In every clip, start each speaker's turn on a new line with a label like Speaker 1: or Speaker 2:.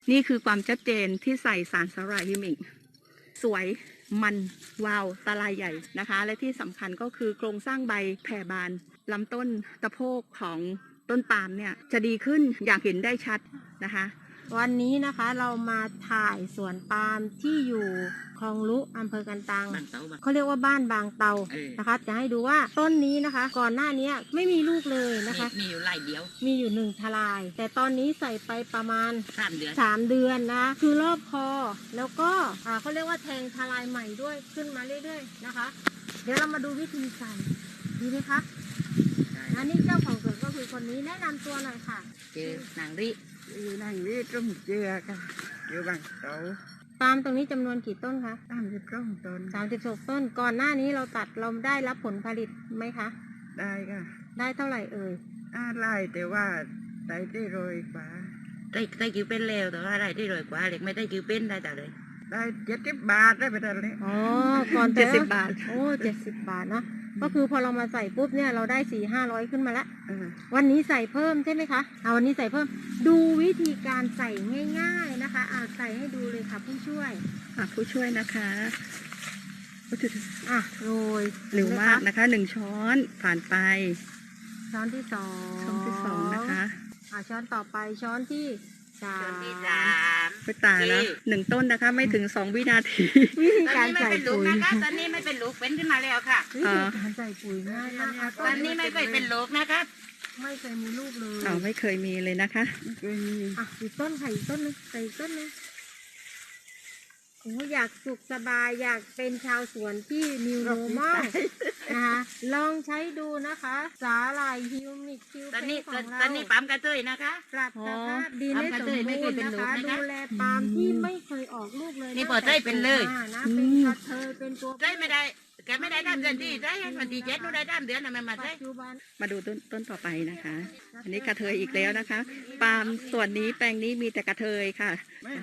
Speaker 1: นี่คือความชัดเจนที่ใส่สารสลายฮิมิกสวยมันวาวตาลายใหญ่นะคะและที่สำคัญก็คือโครงสร้างใบแผ่บานลำต้นตะโพกของต้นปาล์มเนี่ยจะดีขึ้นอย่างเห็นได้ชัดนะคะ
Speaker 2: วันนี้นะคะเรามาถ่ายสวนปาล์มที่อยู่คลองลุอำเภอกันตังเขาเรียกว่าบ้านบางเตานะคะจะให้ดูว่าต้นนี้นะคะก่อนหน้านี้ไม่มีลูกเลยนะคะ
Speaker 3: มีอยู่หลายเดียว
Speaker 2: มีอยู่1 ทลายแต่ตอนนี้ใส่ไปประมาณ
Speaker 3: 3 เดือน
Speaker 2: 3 เดือนนะคือรอบคอแล้วก็เขาเรียกว่าแทงทลายใหม่ด้วยขึ้นมาเรื่อยๆนะคะเดี๋ยวเรามาดูวิธีใส่ดีไหมคะอันนี้เจ้าของสวนก็คือคนนี้แนะนำตัวหน่อยค่ะ
Speaker 3: เจอนางริ
Speaker 1: อยู่นั่งนี่ต้มเจือค่ะอยู่บางเตา
Speaker 2: ปาล์มตรงนี้จำนวนกี่ต้นคะ
Speaker 1: 32 ต้น
Speaker 2: 36 ต้นก่อนหน้านี้เราตัดเราได้รับผลผลิตไหมคะ
Speaker 1: ได้ค่ะ
Speaker 2: ได้เท่าไหร่เอ่ย
Speaker 1: ไร่แต่ว่าได้100 กว่า
Speaker 3: ได้คิวเป็นแล้วแต่ว่าได้ที่100 กว่าเล็กไม่ได้คิวเป็นได้แต่เลย
Speaker 1: ได้70 บาทได้ไปแต่เลย
Speaker 2: อ๋อก่อน
Speaker 1: 70 บาท
Speaker 2: โอ้70 บาทเนาะก็คือพอเรามาใส่ปุ๊บเนี่ยเราได้400-500ขึ้นมาแล้ววันนี้ใส่เพิ่มใช่ไหมคะวันนี้ใส่เพิ่มดูวิธีการใส่ง่ายๆนะคะใส่ให้ดูเลยค่ะผู้ช่วย
Speaker 1: นะคะ
Speaker 2: โรย
Speaker 1: เร็วมากนะคะ1 ช้อนผ่านไป
Speaker 2: ช้อนที่2
Speaker 1: นะคะ
Speaker 2: ช้อนต่อไปช้อนที่3
Speaker 1: ไปตาแล้ว1 ต้นนะคะไม่ถึง2 วินาที
Speaker 2: วิธีการใส่ปุ๋ย
Speaker 3: นะคะตอนนี้ไม่เป็นลูกเป็นขึ้นมาแล้วค่ะ
Speaker 2: วิธีการใส่ปุ๋ยง่ายมาก
Speaker 3: ตอนนี้ไม่เคยเป็นลูกนะคะ
Speaker 2: ไม่เคยมีลูกเลย
Speaker 1: ไม่เคยมีเลยนะคะ
Speaker 2: ไม่เคยมีอีกต้นค่ะอีกต้นนึงใส่อีกต้นนึงอยากสุขสบายอยากเป็นชาวสวนที่นิวโรมอลนะคะลองใช้ดูนะคะสาหร่ายฮิวมิกคิวเป็นของเรา
Speaker 3: ตอนนี้ปั๊มกระเทยนะคะ
Speaker 2: ปรับสภาพดินให้สมบูรณ์นะคะดูแลปาล์มที่ไม่เคยออกลูกเลย
Speaker 3: นี่พอได้เป็นเลย
Speaker 2: นะเป็นกระเทยเป็นตัว
Speaker 3: ได้ไม่ได้แกไม่ได้3 เดือนที่ได้วันที่7หนูได้3 เดือนนะแม่มาได้
Speaker 1: มาดูต้นต่อไปนะคะอันนี้กระเทยอีกแล้วนะคะปาล์มส่วนนี้แปลงนี้มีแต่กระเทยค่ะ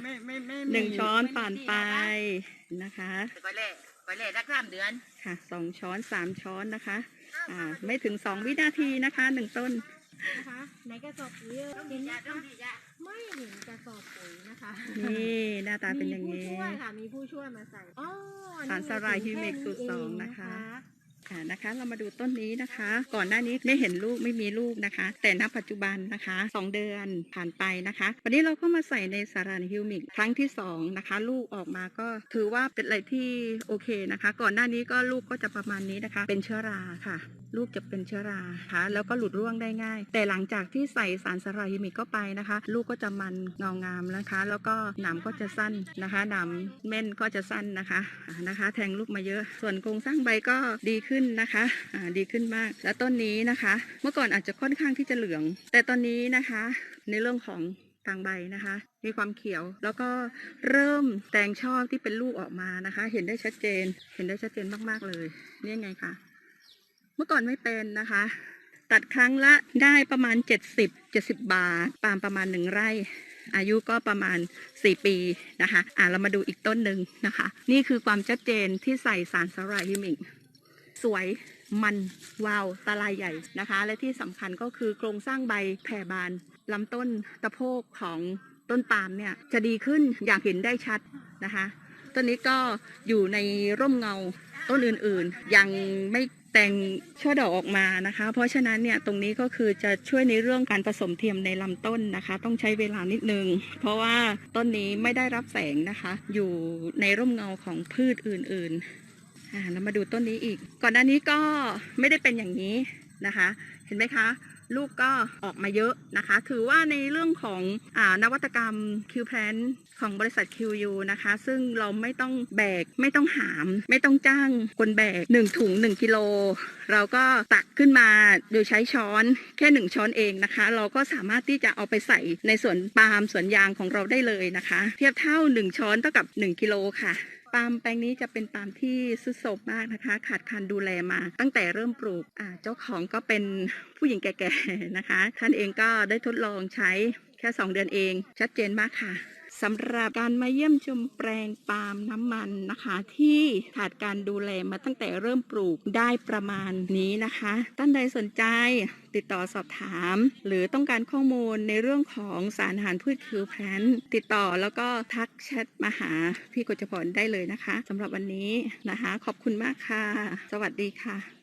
Speaker 1: 1 ช้อนผ่านไปนะคะ
Speaker 3: ไปเล่สัก3 เดือน
Speaker 1: ค่ะ2 ช้อน3 ช้อนนะคะไม่ถึง2 วินาทีนะคะ1 ต้น
Speaker 2: นะคะในกระสอบปุ๋ยเห็นนะคะไม่เห็นกระสอบปุ๋ยนะคะ
Speaker 1: นี่หน้าตาเป็นอย่างนี้
Speaker 2: มีผู้ช่วยค่ะมีผู้ช่วยมาใส่
Speaker 1: สารสลายฮิมิกสูตร2นะคะนะคะเรามาดูต้นนี้นะคะก่อนหน้านี้ไม่เห็นลูกไม่มีลูกนะคะแต่ณปัจจุบันนะคะ2 เดือนผ่านไปนะคะวันนี้เราก็มาใส่ในสารฮิวมิกครั้งที่2นะคะลูกออกมาก็ถือว่าเป็นอะไรที่โอเคนะคะก่อนหน้านี้ก็ลูกก็จะประมาณนี้นะคะเป็นเชื้อราค่ะลูกจะเป็นเชื้อราค่ะแล้วก็หลุดร่วงได้ง่ายแต่หลังจากที่ใส่สารสลายฮิมิกเข้าไปนะคะลูกก็จะมันเงางามนะคะแล้วก็หนามก็จะสั้นนะคะหนามเม่นก็จะสั้นนะคะแทงลูกมาเยอะส่วนโครงสร้างใบก็ดีขึ้นนะคะดีขึ้นมากและต้นนี้นะคะเมื่อก่อนอาจจะค่อนข้างที่จะเหลืองแต่ตอนนี้นะคะในเรื่องของทางใบนะคะมีความเขียวแล้วก็เริ่มแตงช่อที่เป็นลูกออกมานะคะเห็นได้ชัดเจนมากๆเลยนี่ไงคะเมื่อก่อนไม่เป็นนะคะตัดครั้งละได้ประมาณ70 บาทปาล์มประมาณ1 ไร่อายุก็ประมาณ4 ปีนะคะเรามาดูอีกต้นหนึ่งนะคะนี่คือความชัดเจนที่ใส่สารสลายฮิมิกสวยมันวาวตาลายใหญ่นะคะและที่สำคัญก็คือโครงสร้างใบแผ่บานลำต้นตะโพกของต้นปาล์มเนี่ยจะดีขึ้นอย่างเห็นได้ชัดนะคะต้นนี้ก็อยู่ในร่มเงาต้นอื่นๆยังไม่แต่งช่อดอกออกมานะคะเพราะฉะนั้นเนี่ยตรงนี้ก็คือจะช่วยในเรื่องการผสมเทียมในลำต้นนะคะต้องใช้เวลานิดนึงเพราะว่าต้นนี้ไม่ได้รับแสงนะคะอยู่ในร่มเงาของพืชอื่นๆแล้วมาดูต้นนี้อีกก่อนหน้านี้ก็ไม่ได้เป็นอย่างนี้นะคะเห็นไหมคะลูกก็ออกมาเยอะนะคะถือว่าในเรื่องของนวัตกรรม Q-Plant ของบริษัท QU นะคะซึ่งเราไม่ต้องแบกไม่ต้องหามไม่ต้องจ้างคนแบก1 ถุง 1 กิโลเราก็ตักขึ้นมาโดยใช้ช้อนแค่1 ช้อนเองนะคะเราก็สามารถที่จะเอาไปใส่ในสวนปาล์มสวนยางของเราได้เลยนะคะเทียบเท่า1 ช้อนเท่ากับ1 กิโลค่ะปาล์มแปลงนี้จะเป็นปาล์มที่ทรุดโทรมมากนะคะขาดการดูแลมาตั้งแต่เริ่มปลูกเจ้าของก็เป็นผู้หญิงแก่ๆนะคะท่านเองก็ได้ทดลองใช้แค่2 เดือนเองชัดเจนมากค่ะสำหรับการมาเยี่ยมชมแปลงปาล์มน้ำมันนะคะ ที่ขาดการดูแลมาตั้งแต่เริ่มปลูกได้ประมาณนี้นะคะท่านใดสนใจติดต่อสอบถาม หรือต้องการข้อมูลในเรื่องของสารอาหารพืชคิวแพลนติดต่อแล้วก็ทักแชทมาหาพี่กฤษพรได้เลยนะคะสำหรับวันนี้นะคะขอบคุณมากค่ะสวัสดีค่ะ